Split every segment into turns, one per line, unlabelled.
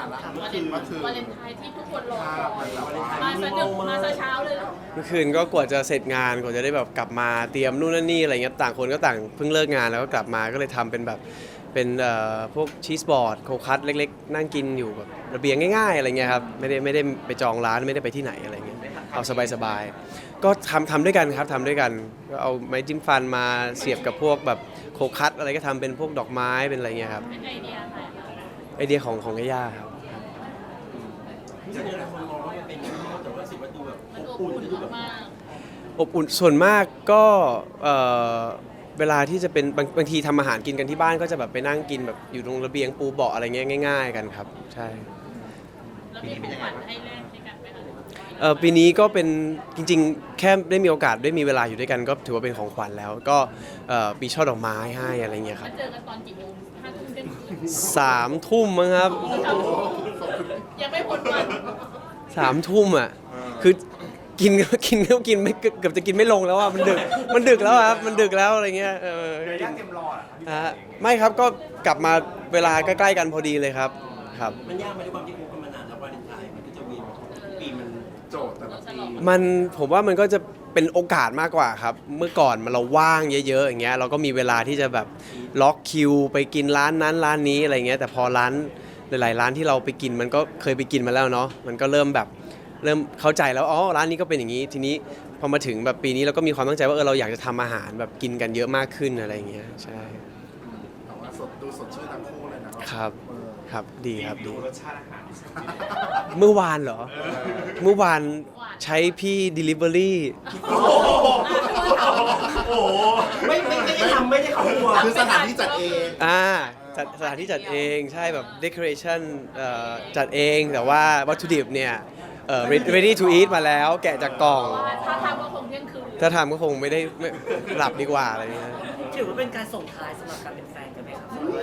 ละ
วาเลนไทน์ที่ทุกคนรอคอย
มา
มาซะดึกมาซะเช้าเลย
เมื่อคืนก็กว่าจะเสร็จงานกว่าจะได้แบบกลับมาเตรียมนู่นนั่นนี่อะไรเงี้ยต่างคนก็ต่างเพิ่งเลิกงานแล้วก็กลับมาก็เลยทำเป็นแบบเป็นพวกชีสบอร์ดโคคัสเล็กๆนั่งกินอยู่แบบระเบียงง่ายๆอะไรเงี้ยครับไม่ได้ไปจองร้านไม่ได้ไปที่ไหนอะไรเงี้ยเอาสบายๆก็ทำด้วยกันครับทำด้วยกันก็เอาไม้จิ้มฟันมาเสียบกับพวกแบบโคคัสอะไรก็ทำเป็นพวกดอกไม้เป็นอะไรเงี้ยครับ
เป็นไอเดียอะไรคะ
ไอเดียของย่าครับ
จริงๆหลายคนมองว่ามันเป็นที่แต่ว่าสิ่งมันดูแบบ
มัน
อบ
อบ
อุ่น
อุ่น
ดูแบบ
มาก
อบอุ่นส่วนมากก็เวลาที่จะเป็นบางทีทำอาหารกินกันที่บ้านก็จะแบบไปนั่งกินแบบอยู่ตรงระเบียงปูเบาะอะไรเงี้ยง่ายๆกันครับใช่
ๆแล้วมีของขวัญให้แลกด้วยกันไหมคะ
ปีนี้ก็เป็นจริงๆแค่ได้มีโอกาสได้มีเวลาอยู่ด้วยกันก็ถือว่าเป็นของขวัญแล้วก็มีช่อดอกไม้ให้อะไรเงี้ยค
มา
รับ
เจอกันตอนกี่โมง5 ทุ่มเที่ยงคืน
3 ทุ่มมั้งครับ
ยังไม่พ้นวัน
3 ทุ่มอ่ะคือกินไม่เกือบจะกินไม่ลงแล้วอ่ะมันดึกแล้วครับมันดึกแล้วอะไรเงี้ย
ยากเต็มรออ่ะ
ไม่ครับก็กลับมาเวลาใกล้ๆกันพอดีเลยครับครับ
มันยากไหมด้วยความที่คบกันมานานแล้ววาเลนไทน์มันก็จะเวียนทุกปีมัน
โจทย์แต่ละปี
ผมว่ามันก็จะเป็นโอกาสมากกว่าครับเมื่อก่อนเราว่างเยอะๆอย่างเงี้ยเราก็มีเวลาที่จะแบบล็อกคิวไปกินร้านนั้นร้านนี้อะไรเงี้ยแต่พอร้านหลายๆร้านที่เราไปกินมันก็เคยไปกินมาแล้วเนาะมันก็เริ่มเข้าใจแล้วอ๋อร้านนี้ก็เป็นอย่างนี้ทีนี้พอมาถึงแบบปีนี้เราก็มีความตั้งใจว่าเราอยากจะทำอาหารแบบกินกันเยอะมากขึ้นอะไรเงี้ยใช่
แต่ว่าดูสดชื่นทั้งคู่เลยนะครับ
ครับดีครับดี
รสชาติอาหาร
เมื่อวานเหรอเมื่อวานใช้พี่ Delivery
โอ้โห
ไม่ได้ทำไม่ได้เขาหัว
คือสถานที่จัดเอง
จัดสถานที่จัดเองใช่แบบ decoration จัดเองแต่ว่าวัตถุดิบเนี่ยready to eat มาแล้วแกะจากกล่อง
ว่าถ้าทำก็คงเที่ยงคืน
ถ้าทำก็คงไม่หลับดีกว่าอะไรเงี้ย
ถือว่าเป็นการส่งท้ายสำหรับการเป็นแฟนกันไหมครับ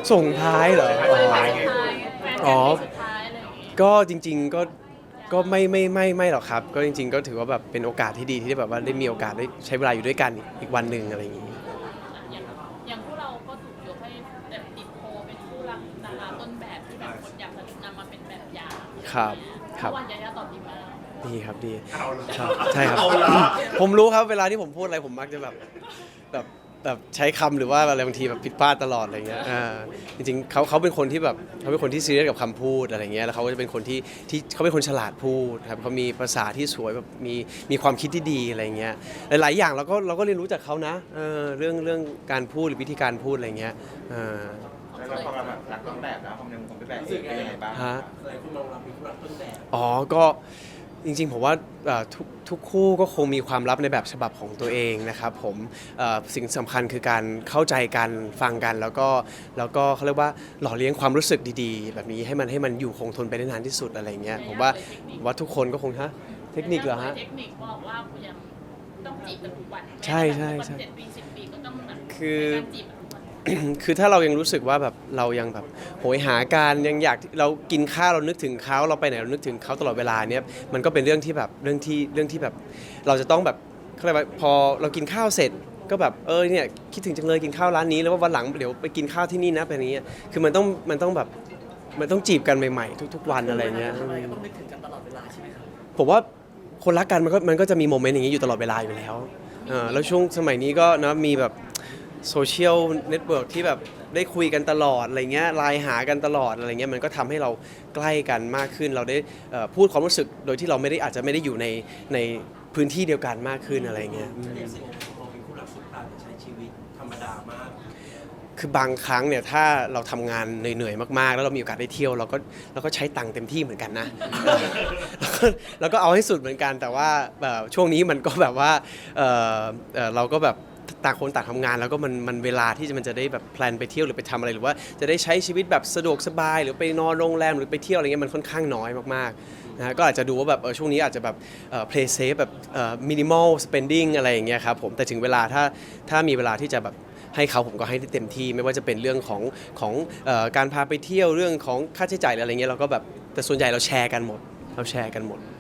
ส่งท้ายเหรอ
วันสุดท้ายแฟนกันสุดท้ายอะไรอย่างงี้
ก็จริงๆก็ไม่หรอกครับ ก็จริงๆก็ถือว่าแบบเป็นโอกาสที่ดีที่ได้แบบว่าได้มีโอกาสได้ใช้เวลาอยู่ด้วยกันอีกวันหนึ่งอะไรอย่างงี้
อย่างพวกเราก็ถูกยกให้แบบติดโพลเป็นคู่รักดาราต้นแบบที่แบบคนอยากจะนำมาเป็นแบบอย่าง
ครับครับ
เมื่อวันยายาตอบดีมาก
ดีครับดี
เอาละ
ครับใช่ครับ
เอาละ
ผมรู้ครับเวลาที่ผมพูดอะไรผมมักจะแบบใช้คำหรือว่าอะไรบางทีแบบผิดพลาดตลอดอะไรเงี้ยจริงๆเขาเป็นคนที่แบบเขาเป็นคนที่ซีเรียสกับคำพูดอะไรเงี้ยแล้วเขาก็จะเป็นคนที่เขาเป็นคนฉลาดพูดครับเขามีภาษาที่สวยแบบมีความคิดที่ดีอะไรเงี้ยหลายๆอย่างเราก็เรียนรู้จากเขานะเรื่องการพูดหรือวิธีการพูดอะไรเงี้ย
แล้วเราพอมาแบบรักต้นแบบแล้วผมเป็นแบบเองเป็นยังไงบ้าง
ฮะ
หลายคนมองเราเป็นคู่รักต้นแบบ
อ๋อก็จริงๆผมว่าทุกคู่ก็คงมีความลับในแบบฉบับของตัวเองนะครับผมสิ่งสำคัญคือการเข้าใจกันฟังกันแล้วก็เขาเรียกว่าหล่อเลี้ยงความรู้สึกดีๆ แบบนี้ให้มันอยู่คงทนไปได้นานที่สุดอะไรเงี้ยผมว่าทุกคนก็คงฮะเทคนิคเหรอฮะ
เทคนิคบอกว่าคุณยังต้องจีบกันทุกวัน
ใช่
7 ปี 10 ปีก็ต้องแบบ
คือ
ในการจีบกันทุกวัน
คือถ้าเรายังรู้สึกว่าแบบเรายังแบบโหยหาการยังอยากเรากินข้าวเรานึกถึงเขาเราไปไหนเรานึกถึงเขาตลอดเวลาเนี้ยมันก็เป็นเรื่องที่แบบเรื่องที่แบบเราจะต้องแบบเขาเรียกว่าพอเรากินข้าวเสร็จก็แบบเนี่ยคิดถึงจังเลยกินข้าวร้านนี้แล้วว่าวันหลังเดี๋ยวไปกินข้าวที่นี่นะเป็นอย่างนี้คือมันต้องแบบมันต้องจีบกันใหม่ๆทุกๆวันอะไรเงี้ย
ทำอะไรก็ต้องนึกถึงกันตลอดเวลาใช่ไหมครับ
ผมว่าคนรักกันมันก็จะมีโมเมนต์อย่างนี้อยู่ตลอดเวลาอยู่แล้วแล้วช่วงสมัยนี้ก็นะมีแบบโซเชียลเน็ตเวิร์กที่แบบได้คุยกันตลอดอะไรเงี้ยไลน์หากันตลอดอะไรเงี้ยมันก็ทำให้เราใกล้กันมากขึ้นเราได้พูดความรู้สึกโดยที่เราอาจจะไม่ได้อยู่ในพื้นที่เดียวกันมากขึ้นอะไรเงี้ย
เรียกสิ่งของเราเป็นคู่รักสุดปราดใช้ชีวิตธรรมดามาก
คือบางครั้งเนี่ยถ้าเราทำงานเหนื่อยๆมากๆ แล้วเรามีโอกาสได้เที่ยวเราก็ใช้ตังค์เต็มที่เหมือนกันนะ แล้วก็เอาให้สุดเหมือนกันแต่ว่าช่วงนี้มันก็แบบว่าเราก็แบบต่างคนต่างทำงานแล้วก็มันเวลาที่มันจะได้แบบแพลนไปเที่ยวหรือไปทำอะไรหรือว่าจะได้ใช้ชีวิตแบบสะดวกสบายหรือไปนอนโรงแรมหรือไปเที่ยวอะไรเงี้ยมันค่อนข้างน้อยมากๆนะก็อาจจะดูว่าแบบช่วงนี้อาจจะแบบplay safe แบบminimal spending อะไรอย่างเงี้ยครับผมแต่ถึงเวลาถ้ามีเวลาที่จะแบบให้เขาผมก็ให้ได้เต็มที่ไม่ว่าจะเป็นเรื่องของการพาไปเที่ยวเรื่องของค่าใช้จ่ายอะไรเงี้ยเราก็แบบแต่ส่วนใหญ่เราแชร์กันหมด